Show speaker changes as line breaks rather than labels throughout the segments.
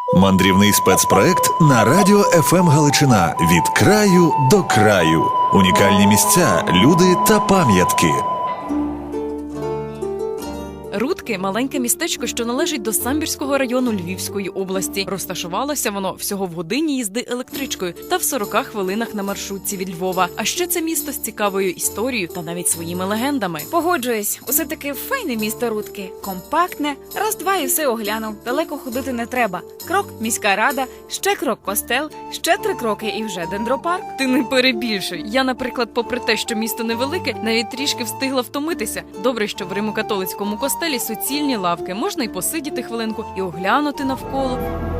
Мандрівний спецпроект на радіо ФМ Галичина «Від краю до краю». Унікальні місця, люди та пам'ятки.
Рудки – маленьке містечко, що належить до Самбірського району Львівської області. Розташувалося воно всього в годині їзди електричкою та в 40 хвилинах на маршрутці від Львова. А ще це місто з цікавою історією та навіть своїми легендами.
Погоджуюсь, усе таки файне місто Рудки. Компактне, раз-два і все оглянув. Далеко ходити не треба. Крок – міська рада, ще крок – костел, ще 3 кроки і вже дендропарк.
Ти не перебільшуй. Я, наприклад, попри те, що місто невелике, навіть трішки встигла втомитися. Добре, що в Римо-католицькому костелі суцільні лавки. Можна й посидіти хвилинку, і оглянути навколо.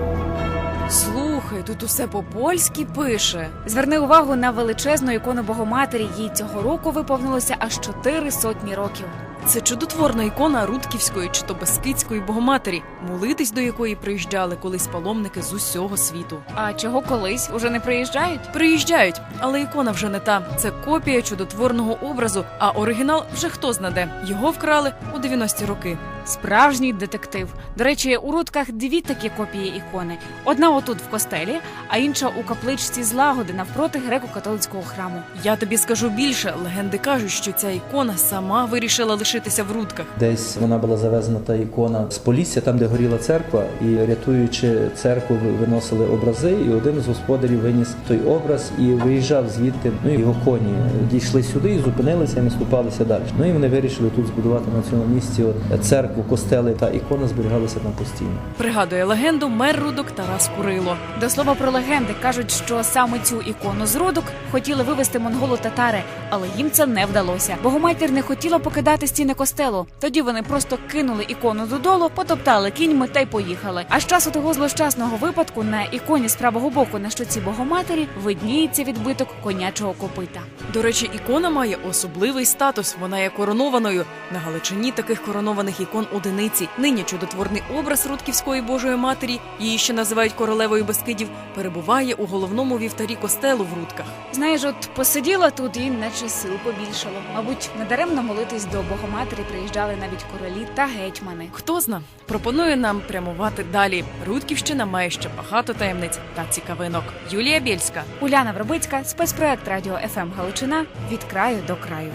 Слухай, тут усе по-польськи пише.
Зверни увагу на величезну ікону Богоматері. Їй цього року виповнилося аж 400 років.
Це чудотворна ікона Рудківської чи то Бескидської Богоматері, молитись до якої приїжджали колись паломники з усього світу.
А чого колись? Уже не приїжджають?
Приїжджають, але ікона вже не та. Це копія чудотворного образу, а оригінал вже хто знаде. Його вкрали у 90-ті роки.
Справжній детектив. До речі, у Рудках 2 такі копії ікони. Одна отут в костелі, а інша у капличці Злагоди навпроти греко-католицького храму.
Я тобі скажу більше. Легенди кажуть, що ця ікона сама вирішила лишитися в Рудках.
Десь вона була завезена, та ікона, з Полісся, там, де горіла церква, і рятуючи церкву, виносили образи, і один з господарів виніс той образ і виїжджав звідти. Ну і його коні дійшли сюди і зупинилися, і наступалися далі. Ну і вони вирішили тут збудувати на цьому місці церкву, костели, та ікона зберігалася там постійно.
Пригадує легенду мер Рудок Тарас Курило.
До слова про легенди, кажуть, що саме цю ікону з Рудок хотіли вивезти монголо-татари, але їм це не вдалося. Богоматір не хотіла покидати стіни костелу. Тоді вони просто кинули ікону додолу, потоптали кіньми та й поїхали. А з часу того злощасного випадку на іконі з правого боку на щоці Богоматері видніється відбиток конячого копита.
До речі, ікона має особливий статус. Вона є коронованою. На Галичині таких коронованих ікон одиниці. Нині чудотворний образ Рудківської Божої Матері, її ще називають королевою Бескидів, перебуває у головному вівтарі костелу в Рудках.
Знаєш, от посиділа тут і наче сил побільшало. Мабуть, недаремно молитись до Богоматері приїжджали навіть королі та гетьмани.
Хто зна, пропонує нам прямувати далі. Рудківщина має ще багато таємниць та цікавинок. Юлія Бєльська.
Уляна Вербицька, спецпроект Радіо ФМ Галичина «Від краю до краю».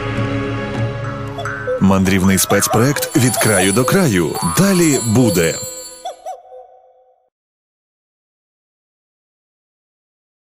Мандрівний спецпроект «Від краю до краю». Далі буде.